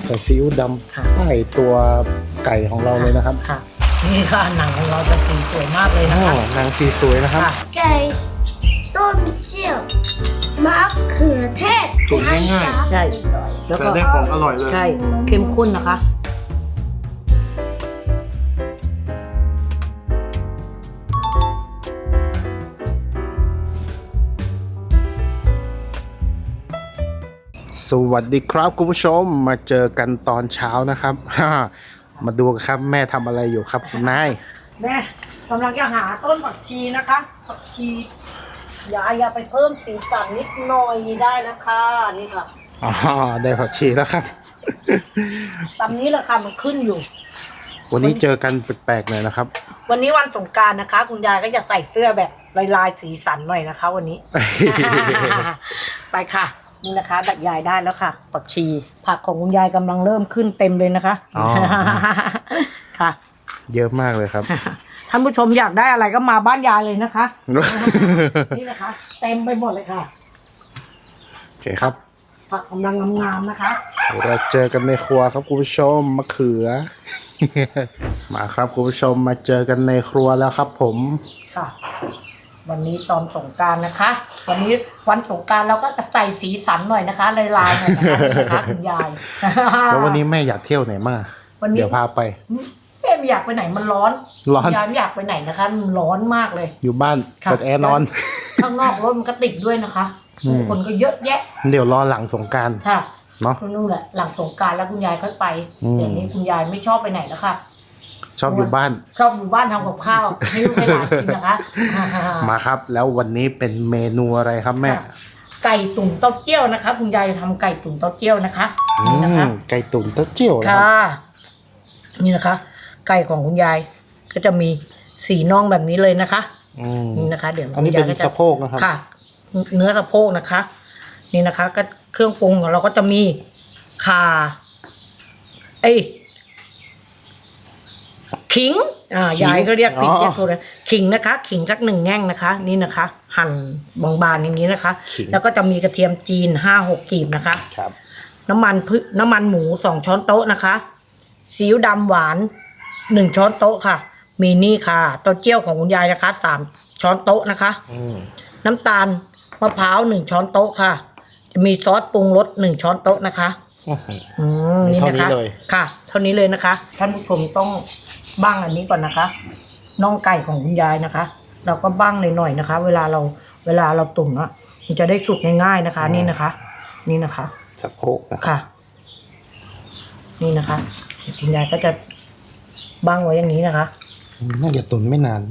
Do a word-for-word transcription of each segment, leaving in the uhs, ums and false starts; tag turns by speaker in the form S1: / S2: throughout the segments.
S1: ส่ซีอิ๊วดำใต้ตัวไก่ของเราเลยนะครับ
S2: ค่ะนี่ค่ะหนังของเราจะสีสวยมากเลยนะคะ
S1: หนังสีสวยนะครับ
S3: ไก่ต้มเจียวมะเขือเทศ
S1: ตุ๋นง่ายๆ
S2: ใช่แล้วก็
S1: ได้ของอร่อยเลย
S2: ใช่เข้มข้นนะคะ
S1: สวัสดีครับคุณผู้ชมมาเจอกันตอนเช้านะครับ มาดูกันครับแม่ทำอะไรอยู่ครับคุณนาย
S2: แม่กำลังจะหาต้นผักชีนะคะผักชียายอย่าไปเพิ่มสีสันนิดหน่อยได้นะคะนี่ค่ะ
S1: อ๋อได้ผักชีแล้วครับ
S2: ตามนี้แหละค่ะมันขึ้นอยู่
S1: วันนี้เจอกันแปลกๆหน่อยนะครับ
S2: วันนี้วันสงกรานต์นะคะคุณยายก็จะใส่เสื้อแบบลายๆสีสันหน่อยนะคะวันนี้ ไปค่ะนี่นะคะดักยายได้แล้วค่ะผักชีผักของคุณยายกำลังเริ่มขึ้นเต็มเลยนะคะอ๋อค่ะ
S1: เยอะมากเลยครับ
S2: ท่านผู้ชมอยากได้อะไรก็มาบ้านยายเลยนะคะนี่นะคะเต็มไปหมดเลยค่ะ
S1: โอเคครับ
S2: ผักกำลังงามๆนะคะ
S1: เราเจอกันในครัวครับคุณผู้ชมมะเขือ มาครับคุณผู้ชมมาเจอกันในครัวแล้วครับผม
S2: ค่ะวันนี้ตอนสงกรานต์นะคะวันนี้วันสงกรานต์เราก็จะใส่สีสันหน่อยนะคะลายๆหน่อยนะคะคุณยาย
S1: แล้ววันนี้แม่อยากเที่ยวไหนมาเดี๋ยวพาไป
S2: แม่ไม่อยากไปไหนมันร้อนร้อนยายไม่อยากไปไหนนะคะมันร้อนมากเลย
S1: อยู่บ้านเปิดแอร์นอน
S2: ข้างนอกรถมันก็ติดด้วยนะคะคนก็เยอะแยะ
S1: เดี๋ยวรอหลังสงกรานต์
S2: ค่ะ
S1: เนาะ
S2: นู่นแหละหลังสงกรานต์แล้วคุณยายค่อยไปเดี๋ยวนี้คุณยายไม่ชอบไปไหนแล้วค่ะ
S1: ชอบอยู่บ้าน
S2: ชอบอยู่บ้านทำกับข้าวให้ลูกให้หลานกินนะคะ
S1: มาครับแล้ววันนี้เป็นเมนูอะไรครับแม่
S2: ไก่ตุ๋นเต้าเจี้ยวนะคะคุณยายจะทำไก่ตุ๋นเต้าเจี้ยวนะคะนี่นะคะ
S1: ไก่ตุ๋นเต้าเจี้ยว
S2: ค่ะนี่นะคะไก่ของคุณยายก็จะมีสีน่องแบบนี้เลยนะคะนี่นะคะเดี๋ยว
S1: อันนี้เป็นสะโพกนะครับ
S2: ค่ะเนื้อสะโพกนะคะนี่นะคะก็เครื่องปรุงของเราก็จะมีข่าเอ้ขิงอ่ายายก็เรียกผิดเรียกถูกเลยขิงนะคะขิงสักหนึ่งแง่งนะคะนี่นะคะหั่นบางๆอย่างนี้นะคะแล้วก็จะมีกระเทียมจีนห้าหกกลีบนะคะ
S1: ครับ
S2: น้ำมันพืน้ำมันหมูสองช้อนโต๊ะนะคะซีอิ๊วดำหวานหนึ่งช้อนโต๊ะค่ะมีนี่ค่ะเต้าเจี้ยวของคุณยายนะคะสามช้อนโต๊ะนะคะน้ำตาลมะพร้าวหนึ่งช้อนโต๊ะค่ะจะมีซอสปรุงรสหนึ่งช้อนโต๊ะนะคะอืมนี่นะคะค่ะเท่านี้เลยนะคะท่านผู้ชมต้องบ้างอันนี้ก่อนนะคะน่องไก่ของคุณยายนะคะเราก็บ้างหน่อยๆนะคะเวลาเราเวลาเราตุ๋นอ่ะมันจะได้สุกง่ายๆนะคะนี่นะคะนี่นะคะ
S1: สะโพก
S2: ค่ะนี่นะคะคุณยายก็จะบ้างไว้อย่างนี้นะคะ
S1: น่าจะตุ๋นไม่นาน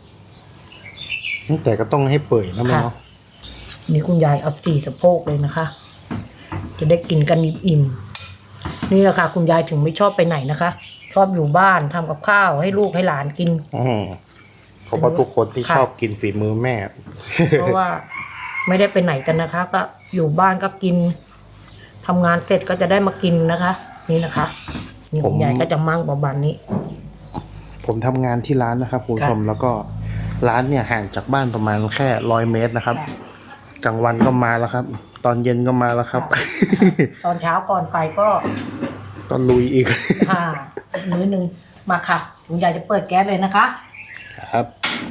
S1: แต่ก็ต้องให้เปื่อยนะแม่เนาะ
S2: นี่คุณยายเอาสี่สะโพกเลยนะคะจะได้กินกันอิ่มๆนี่แหละค่ะคุณยายถึงไม่ชอบไปไหนนะคะชอบอยู่บ้านทำกับข้าวให้ลูกให้หลานกิน
S1: อืมเพราะว่าทุกคนที่ชอบกินฝีมือแม่
S2: เพราะว่าไม่ได้ไปไหนกันนะคะก็อยู่บ้านก็กินทำงานเสร็จก็จะได้มากินนะคะนี่นะคะนี่คุณยายก็จะมั่งประมาณนี้
S1: ผมทำงานที่ร้านนะครับคุณผู้ชมแล้วก็ร้านเนี่ยห่างจากบ้านประมาณแค่ร้อยเมตรนะครับกลางวันก็มาแล้วครับตอนเย็นก็มาแล้วครับ
S2: ตอนเช้าก่อนไปก็
S1: ก็ลุยอีก
S2: ค่ะมื้อหนึ่งมาค่ะคุณยายจะเปิดแก๊สเลยนะคะ
S1: ครับ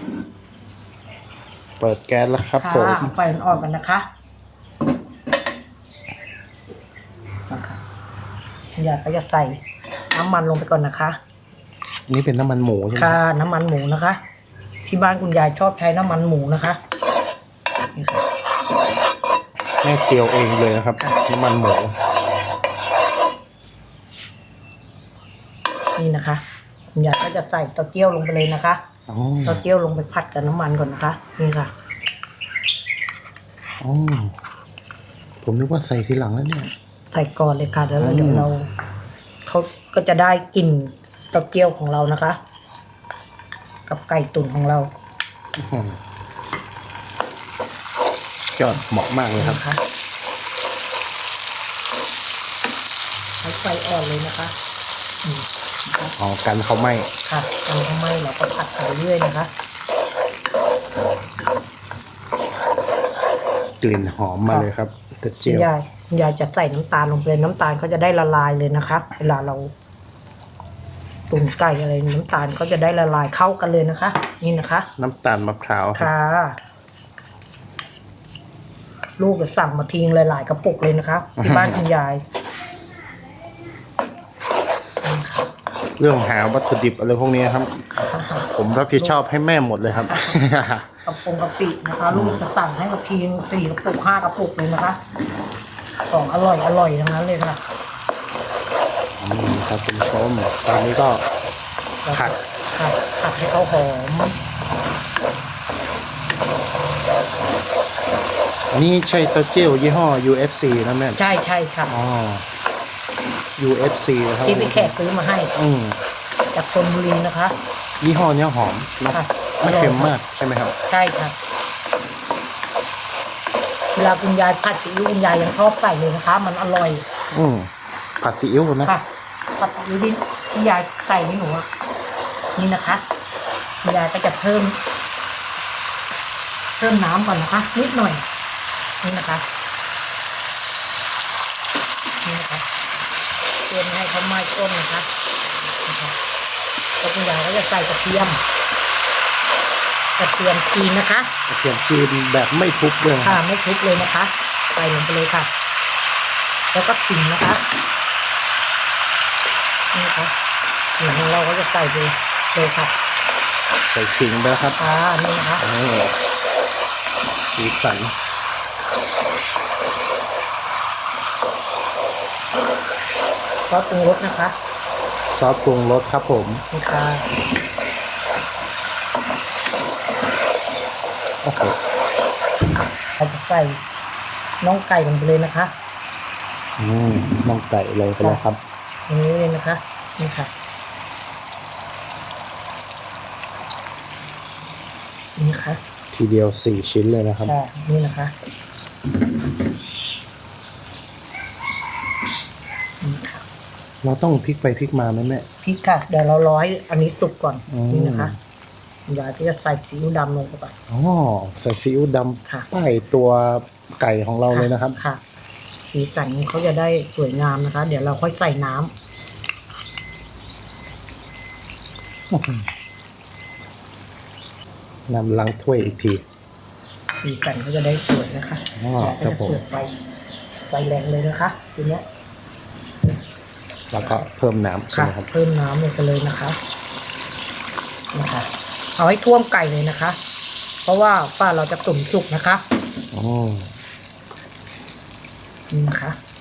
S1: เปิดแก๊สแล้วครับผม
S2: ไฟอ่อนๆกันนะคะคุณยายก็จะใส่น้ำมันลงไปก่อนนะคะ
S1: นี่เป็นน้ำมันหมูใช่ไหม
S2: ค่ะน้ำมันหมูนะคะที่บ้านคุณยายชอบใช้น้ำมันหมูนะคะนี่ค่ะ
S1: แม่เจียวเองเลยนะครับน้ำมันหมู
S2: นี่นะคะคุณยายก็จะใส่เต้าเจี้ยวลงไปเลยนะคะเต้าเจี้ยวลงไปผัดกับน้ำมันก่อนนะคะนี่ค่ะ
S1: อ๋อผมนึกว่าใส่ทีหลังแล้วเนี่ย
S2: ใส่ก่อนเลยค่ะแล้วเดี๋ยวเราเขาก็จะได้กลิ่นเต้าเจี้ยวของเรานะคะกับไก่ตุ๋นของเรา
S1: ยอดเหมาะมากเลยครับ
S2: ใช้ไฟอ่อนเลยนะคะ
S1: อ๋อกันเขาไหม้
S2: ค่ะกันเขาไหม้เราก็ผัดไปเรื่อยนะคะ
S1: กลิ่นหอมมาเลยครับเต้าเจี้ยว
S2: คุณยายจะใส่น้ำตาลลงไปเลยน้ำตาลเขาจะได้ละลายเลยนะคะ เวลาเราตุ๋นไก่อะไรน้ำตาลเขาจะได้ละลายเข้ากันเลยนะคะ นี่นะคะ
S1: น้ำตาลมะพร้าวครับ
S2: ค่ะ ลูกจะสั่งมาทิ้งหลายๆกระปุกเลยนะคะที่บ้านคุณยาย
S1: เรื่องหาวัตถุดิบอะไรพวกนี้ครับ ผมรับผิดชอบให้แม่หมดเลยครับ
S2: กระปุกกะปินะคะ ลูกจะสั่งให้มาทีนึงสี่กระปุกห้ากระปุกเลยนะคะของอร่อยอร่อยทั้งนั้นเลยค่ะ
S1: นี่ครับคุณผู้ชมตอนนี้ก็ ผัด
S2: ผัดผัดให้เขาหอม
S1: อันนี้ใช่เต้าเจี้ยวยี่ห้อ ยู เอฟ ซี นะแม่
S2: ใช่ใช่ค่ะ
S1: อ๋อ ยู เอฟ ซี นะครับ
S2: ที่พี่แขกซื้อมาให้
S1: อืม
S2: จากชลบุรีนะคะ
S1: ยี่ห้อเนี้ยหอมนะ
S2: ค่ะ
S1: ไม่เค็มมากใช่ไหมครับ
S2: ใช่ค่ะเวลาคุณยายผัดซีอิ๊วคุณยายยังชอบใส่เลยนะคะ มันอร่อย
S1: อืมผัดซีอิ๊วนะ
S2: ค่ะผัดซีอิ๊วที่ที่ยายใส่ให้หนูอะนี่นะคะคุณยายก็จะเพิ่ม เพิ่มน้ำก่อนนะคะ นิดหน่อย นี่นะคะนี่นะคะเตรียมให้เขาไหม้ต้มนะคะนะคะแล้วคุณยายก็จะใส่กระเทียมกระเทียมจีนนะคะ
S1: กระเทียมจีนแบบไม่ทุบเลย
S2: ค่ะไม่ทุบเลยนะคะใส่ลงไปเลยค่ะ แล้วก็ขิงนะคะนี่นะคะขิงของเราก็จะใส่ไปเลยค่ะ
S1: ใส่ขิงไปแล้วครับ
S2: อ่านี่นะคะ
S1: โอ้สีสัน
S2: ซอสปรุงรสนะคะ
S1: ซอสปรุงรสครับผม
S2: นี่ค่ะ
S1: โอ้โห
S2: เราจะใส่น้องไก่ลงไปเลยนะคะ
S1: อืมน้องไก่เลยไปแล้วครับ
S2: อย่างนี้เลยนะคะนี่ค่ะนี่ค่ะ
S1: ทีเดียวสี่ชิ้นเลยนะครับ
S2: ค่ะนี่นะคะนี่ค่ะ
S1: เราต้องพลิกไปพลิกมาไหมแม่
S2: พริกค่ะเดี๋ยวเราร้อยอันนี้สุกก่อน
S1: อืม
S2: นี่นะคะยายก็จะใส่ซีอิ๊วดำลงไปก่อน
S1: อ๋อใส่ซีอิ๊วด
S2: ค่ะ
S1: ำใต้ตัวไก่ของเราเลยนะครับ
S2: ค่ะสีสันเขาจะได้สวยงามนะคะ เดี๋ยวเราค่อยใส่น้ำ
S1: นำล้างถ้วยอีกที
S2: สีสันเขาจะได้สวยนะคะ
S1: อ๋อ
S2: แล้ว
S1: ครั
S2: ก็
S1: บผม
S2: จะเปิดไฟไฟแรงเลยนะคะทีเนี้ย
S1: แล้วก็เพิ่มน้ำใช่
S2: ค่ะ
S1: ไหมครับ
S2: เพิ่มน้ำลงไปเลยนะคะนะคะเอาให้ท่วมไก่เลยนะคะ เพราะว่าฝ้าเราจะตุ๋นสุกนะคะ
S1: อ๋อ
S2: นี่นะคะ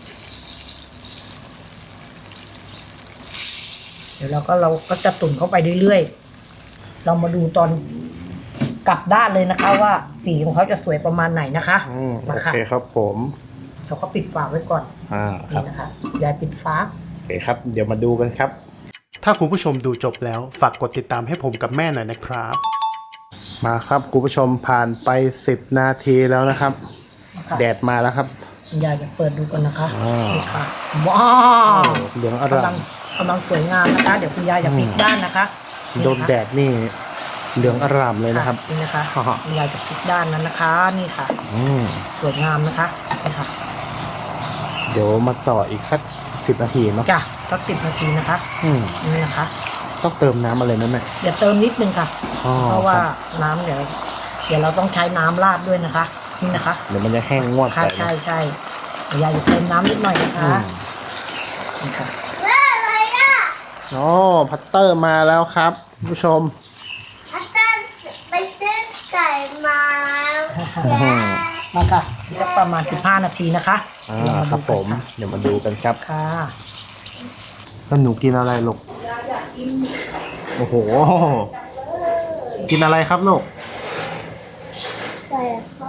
S2: เดี๋ยวเราก็เราก็จะตุ๋นเข้าไปเรื่อยๆเรามาดูตอนกลับด้านเลยนะคะ ว่าสีของเขาจะสวยประมาณไหนนะคะ
S1: อืมโอ
S2: มา
S1: เค
S2: ค่ะ
S1: ครับผม
S2: เราก็ปิดฝาไว้ก่อน
S1: อ่าครั
S2: นี่
S1: บ
S2: นะคะยายปิดฝา
S1: โอเคครับ เดี๋ยวมาดูกันครับ ถ้าคุณผู้ชมดูจบแล้วฝากกดติดตามให้ผมกับแม่หน่อยนะครับ มาครับคุณผู้ชมผ่านไปสิบนาทีแล้วนะครับ
S2: นะคะ
S1: แดดมาแล้วครับ
S2: ยายจะเปิดดูกันนะคะ
S1: อ่า
S2: นี่ค่ะว้าว
S1: เหลืองอร่าก
S2: ำลั
S1: ม
S2: งกำลังสวยงามนะคะ เดี๋ยวคุณยายจะพลิกด้านนะคะ
S1: โดนแดดนี่เหลืองอร่ามเลยนะครับ
S2: นี่นะคะ
S1: อ่าฮะ
S2: คุณยายจะพลิกด้านนั้นนะคะ นี่ค่ะ
S1: อืม
S2: สวยงามนะคะนี่ค่ะ
S1: เดี๋ยวมาต่ออีกสักสิบนาทีเนาะ
S2: จ้ะสักสิบนาทีนะคะ
S1: อืม
S2: นี่นะคะ
S1: ต้องเติมน้ำอะไรไหมแม่
S2: เดี๋ยวเติมนิดนึงค่ะ
S1: อ๋อ
S2: เพราะว่า
S1: ครับ
S2: น้ำเดี๋ยวเดี๋ยวเราต้องใช้น้ำราดด้วยนะคะ นี่นะคะ
S1: เดี๋ยวมันจะแห้งงวด
S2: ค่ะ
S1: ไป
S2: ใช่
S1: นะ
S2: ใช่เดี๋ยวยายจะเติมน้ำนิดหน่อยนะคะ
S1: อืม
S2: นี่ค่ะ
S3: อะไรอ่ะ
S1: อ๋อพัตเตอร์มาแล้วครับคุณผู้ชม
S3: อาจารย์ไปซื้อไก่มาแล้ว
S1: อืม
S2: มาค่ะจะประมาณสิบห้านาทีนะคะ
S1: อ่า
S2: เดี๋ยวมา
S1: ครั
S2: ดู
S1: บผ
S2: กัน
S1: ม
S2: ค่ะ
S1: เดี๋ยวมาดูกันครับ
S2: ค่ะ
S1: แล้วหนูกินอะไรลูกโอ้โห กินอะไรครับลูก
S3: ไก่เขา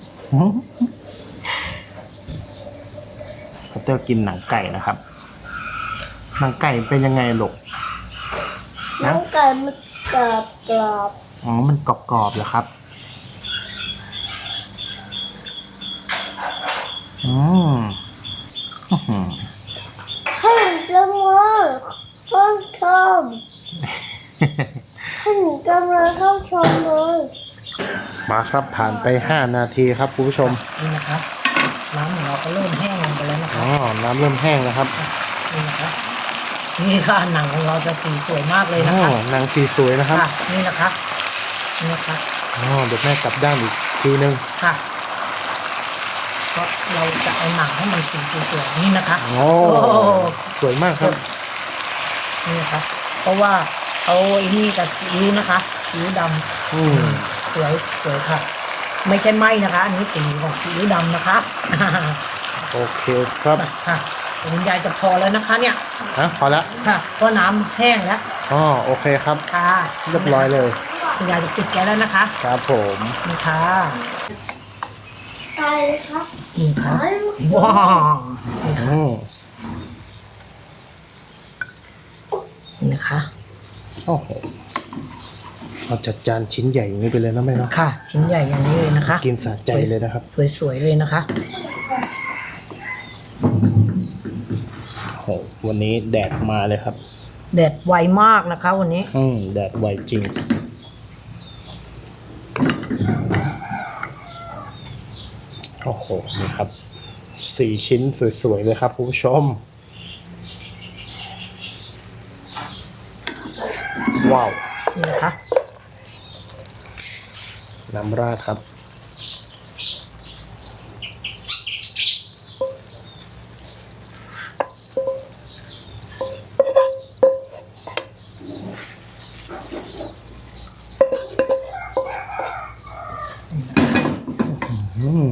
S1: พัตเตอร์กินหนังไก่นะครับ หนังไก่เป็นยังไงลูก
S3: น้องไก่มันกรอบกรอบ
S1: อ๋อ มันกรอบๆเหรอครับ อืมอื้อหือ
S3: ข้าวจังเลยข้าวชมข้าวกำลังเข้าชมเลย
S1: มาครับผ่านไปห้านาทีครับคุณผู้ชม
S2: นี่นะคะ น้ำของเราก็เริ่มแห้งลงไปแล้ว
S1: น้ำเริ่มแห้งแล้วครับ
S2: นี่นะคะนี่ค่ะหนังของเราจะสีสวยมากเลยนะ
S1: อ๋อ
S2: คะ
S1: นางสีสวยนะครับ
S2: ค่ะนี่นะคะนี่นะคะ
S1: อ๋อเดี๋ยวแม่กลับด้านอีกทีนึง
S2: ค่ะเพราะเราจะเอาหนังให้มันสีสวยๆนี่นะคะ
S1: โอ้สวยมากครับ
S2: นี่นะคะ เพราะว่าเอาไอ้นี่กับซีอิ๊วนะคะซีอิ๊วด
S1: อืม
S2: ำสวยสวยค่ะ ไม่ใช่ไหมนะคะ อันนี้สีของซีอิ๊วดำนะคะ
S1: โอเคครับ
S2: ค่ะคุณยายจะพอแล้วนะคะ เนี่ย
S1: นะพอละ
S2: ค่ะเพราะน้ำแห้งแล้ว
S1: อ๋อโอเคครับ
S2: ค่ะ
S1: เรียบร้อยเลย
S2: คุณยายจะปิดแก๊สแล้วนะคะ
S1: ครับผม
S2: นี่ค่ะ
S3: ตายเลยครับ
S2: นี่ค่ะ
S3: ตาย
S2: ว้าวนี่ค่ะ
S1: อืม
S2: นี่นะคะ
S1: โอ้โหเอาจัดจานชิ้นใหญ่อย่างนี้ไปเลยนะแม่เนาะ
S2: ค่ะ ชิ้นใหญ่อย่างนี้เลยนะคะ
S1: กินสะใจเลยนะครับ
S2: สวยๆเลยนะคะ
S1: โอ้โหวันนี้แดดมาเลยครับ
S2: แดดไวมากนะคะ วันนี้
S1: อืมแดดไวจริง โอ้โห นี่ครับ สี่ชิ้นสวยๆเลยครับคุณผู้ชม ว้าว
S2: นี่นะคะ
S1: น้ำราดครับ อืม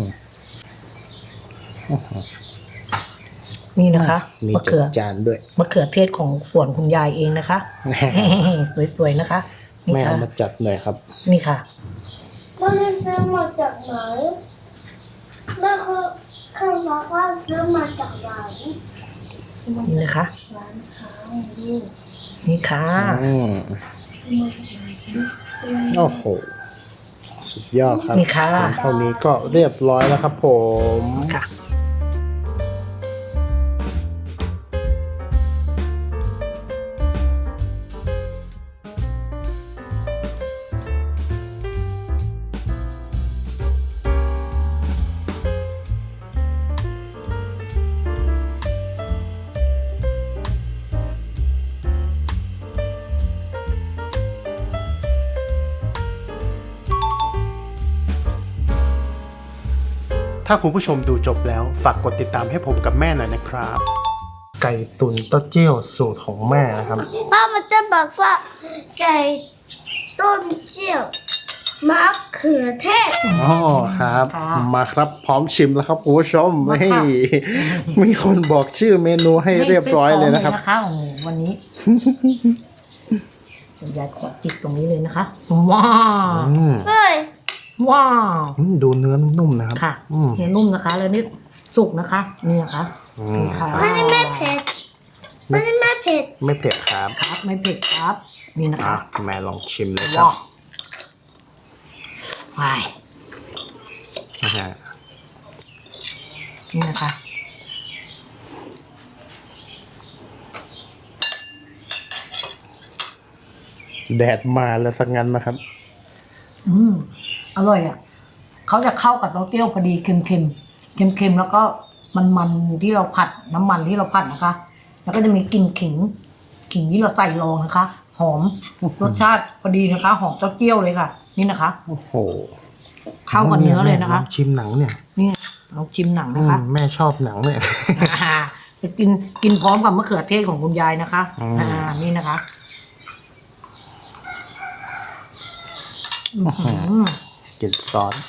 S2: นี่นะคะ
S1: มี
S2: มะ
S1: จั
S2: เขื
S1: ด
S2: อ
S1: จานด้วย
S2: มะเขือเทศของสวนคุณยายเองนะคะ สวยๆนะคะ นี่
S1: แม่
S2: ค่ะ
S1: เอามาจัดหน่อยครับ
S2: นี่ค่ะ
S3: มันจะซื้อมาจากไหนแม่คือคือบอกว่าซื้อมาจากไหน
S2: นี่นะคะ
S3: ร้านค้าลูก
S2: นี่ค่ะ
S1: อืม โอ้โห สุดยอดครับ
S2: นี่ค่ะ
S1: เท่านี้ก็เรียบร้อยแล้วครับผม
S2: ค่ะ
S1: ถ้าคุณผู้ชมดูจบแล้วฝากกดติดตามให้ผมกับแม่หน่อยนะครับ ไก่ตุ๋นเต้าเจี้ยวสูตรของแม่นะครับ
S3: พ่อมันจะบอกว่าไก่ต้นเจียวมะเขือเทศ
S1: อ๋อครับ
S2: ค่ะ
S1: มาครับพร้อมชิมแล้วครับคุณผู้ชม
S2: มา
S1: เฮ้
S2: ค่ะ
S1: ยมีคนบอกชื่อเมนูให้เรียบร้อยเลยนะครับ
S2: ไม่พอโอ้โหวันนี้คุณยายขอจิกตรงนี้เลยนะคะ ว้าว
S1: อืม
S3: เฮ้ย
S2: ว้าว
S1: อืมดูเนื้อนุ่มๆนะครับ
S2: ค่ะ
S1: อืม
S2: เนื้อนุ่มนะคะ แล้วนี่สุกนะคะ นี่นะคะ
S1: อืม
S2: นี่ค่ะ
S3: มันไม่เผ็ดมันไม่เผ็ด
S1: ไม่เผ็ดครับ
S2: ครับไม่เผ็ดครับ นี่นะ
S1: อ่ะ
S2: คะ
S1: แม่ลองชิมเลยครั
S2: ว้า
S1: บ
S2: วไป
S1: นะฮะ
S2: นี่นะคะ
S1: แดดมาแล้วสักงั้นนะครับ
S2: อืมอร่อยอ่ะเขาจะเข้ากับเต้าเจี้ยวพอดีเค็มๆเค็มๆแล้วก็มันๆที่เราผัดน้ำมันที่เราผัดนะคะ แล้วก็จะมีกลิ่นขิง ขิงที่เราใส่รองนะคะ หอมรสชาติพอดีนะคะ หอมเต้าเจี้ยวเลยค่ะ นี่นะคะ
S1: โอ้โห
S2: เข้ากับเนื้อเลยนะคะ
S1: ลองชิมหนังเนี่ย
S2: นี่เราชิมหนัง
S1: อื
S2: นะคะ
S1: มแม่ชอบหนังเนี่ย
S2: อ่าจะกินกินพร้อมกับมะเขือเทศของคุณยายนะคะ
S1: อืม
S2: อ่านี่นะคะอื้อหือ
S1: กินซอส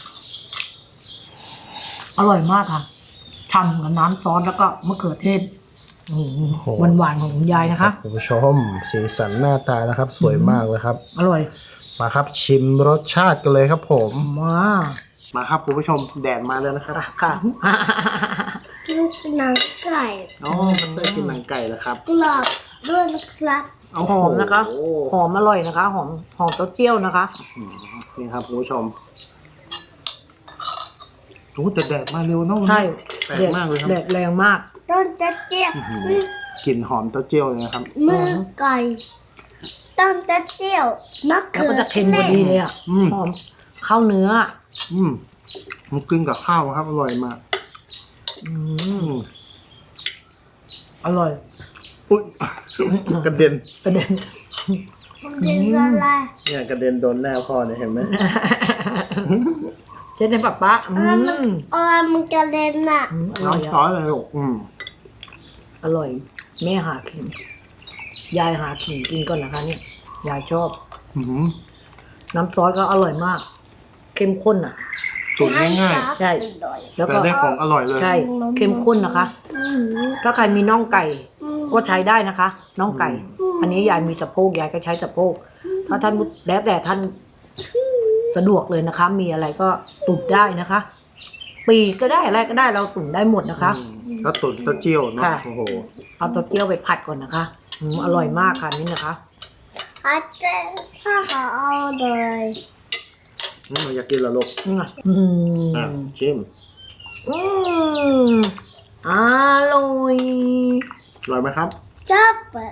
S2: อร่อยมากค่ะทำกับน้ำซอสแล้วก็มะเขือเทศหวานหวานๆของคุณยายนะคะ
S1: คุณผู้ชมสีสันหน้าตานะครับ สวยมากเลยครับ
S2: อร่อย
S1: มาครับชิมรสชาติกันเลยครับผม
S2: มาก
S1: มาครับคุณผู้ชมแดดมาแล้วนะครับ
S2: ค่ะ
S3: กินหนังไก่
S1: อ๋อมันเตอร์กินหนังไก่แล้วครับ
S3: กรอบด้วยนะครับ
S2: หอมนะคะ
S1: โอ้
S2: หอมอร่อยนะคะ หอมหอมเต้าเจี้ยวนะคะ
S1: นี่ครับคุณผู้ชมโอ้แต่แดดมาเร็วเนอะวัน
S2: ใช่
S1: นี้แปลกมากเลยครับ
S2: แดดแรงมาก
S3: ต้นจะเจียว
S1: กลิ่นหอมเต้าเจี้ยวเลยนะครับ
S3: มือไก่ต้นจะเจียวมะ
S2: แล้ว
S3: เขื
S2: ก็
S3: อ
S2: จะเค็มพอดีเลยอ่ะ
S1: อืม
S2: หอมข้าวเนื้อ
S1: อืมมันกินกับข้าวครับอร่อยมาก
S2: อื
S1: อื
S2: ม
S1: ม
S2: อร่อย
S1: อุ๊ยกระเด็น
S2: กระเด็น
S3: มันเป็นอะไร
S1: เนี่ยกระเด็นโดนหน้าพ่อเนี่ยเห็นไหม
S2: เจ๊ในป๊าป๊าอื
S3: อะไรมัน
S2: ม
S3: อะไรมันกระเด็นอ่ะ
S2: อืมอ
S1: น้
S2: ร่
S1: อ
S2: อง ย
S1: ซอ
S2: อะ
S1: สเลยลูกอืม
S2: อร่อย แม่หาขิงยายหาขิงกินก่อนนะคะ เนี่ยยายชอบ
S1: อืม
S2: น้ำซอสก็อร่อยมาก เข้มข้นอ่ะ
S1: ตุ๋นง่าย
S2: ใช่
S1: ๆ
S2: แล้ว
S1: แต่
S2: ก็
S1: ได้ของอร่อยเลย
S2: ใช่เข้มข้นนะคะ
S3: อืม
S2: ถ้าใครมีน่องไก่
S3: อืม
S2: ก็ใช้ได้นะคะน่องไก่ อันนี้ยายมีสะโพกยายก็ใช้สะโพกถ้าท่านแล้วแต่ท่านสะดวกเลยนะคะ มีอะไรก็ตุ๋นได้นะคะ ปีกก็ได้อะไรก็ได้เราตุ๋นได้หมดนะคะ
S1: อืมแล้วตุ๋นเต้าเจี้ยวเนาะ
S2: ค่ะ
S1: โอ้โห
S2: เอาเต้าเจี้ยวไปผัดก่อนนะคะอืมอร่อยมากค่ะนี่นะคะ
S3: อาจารย์ถ้าเขาเอาเลย
S1: อืมอยากกินละลูก
S2: นี่ไงอื
S1: อ่ะ
S2: ม
S1: ชิม
S2: อืมอร่อย
S1: อร่อยไหมครับ
S3: จับอะ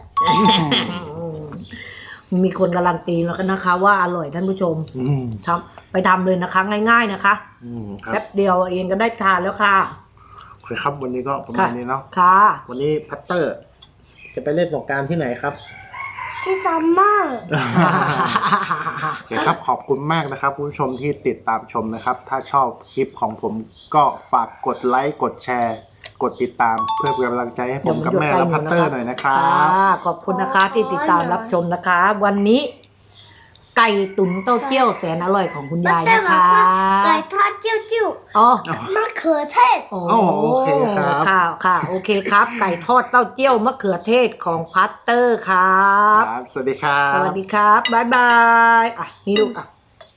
S2: มีคนการันตีแล้วกันนะคะ ว่าอร่อยท่านผู้ชม
S1: อืม
S2: ทำไปทำเลยนะคะ ง่าย ๆนะคะ
S1: อืมครั
S2: แป๊
S1: บบ
S2: เดียวเองก็ได้ทานแล้วค่ะ
S1: โอเคครับวันนี้ก็ประมา
S2: ค่ะ
S1: ณนี้เนาะ
S2: ค่ะ
S1: วันนี้พัตเตอร์ จะไปเล่นสงกรารที่ไหนครับ
S3: ที่ซัมเมอร์
S1: โอเคครับขอบคุณมากนะครับคุณผู้ชมที่ติดตามชมนะครับ ถ้าชอบคลิปของผมก็ฝากกดไลค์กดแชร์ กดติดตามเพื่อเป็นกำลังใจให้ผมกับแม่และพัตเตอร์หน่อยนะครับ
S2: ค่ะขอบคุณนะคะที่ติดตามรับชมนะคะ วันนี้ ไก่ตุ๋นเต้าเจี้ยวแสนอร่อยของคุณยาย
S3: แต่
S2: นะ
S3: บอก
S2: คะ
S3: ว่าไก่ทอดจิ้วจิ้ว
S2: อ๋อ
S3: มะเขือเทศ
S2: โอ้
S1: โอ้โอเคครับ
S2: ค่ะค่ะโอเคครับ ไก่ทอดเต้าเจี้ยวมะเขือเทศของพัตเตอร์ครับ
S1: ครับสวัสดีครับ
S2: สวัสดีครับบ๊ายบายอ่ะนี่ลูกอ่ะ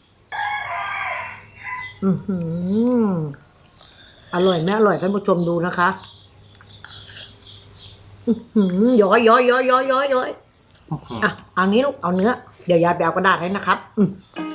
S2: อือหืออร่อยไหมอร่อยท่านผู้ชมดูนะคะอื้อหือย้อยย้อยย้อยย้อยย้อยย้อยอ่ะเอานี้ลูกเอาเนื้อเดี๋ยวยายไปเอากระดาษให้นะครับ อืม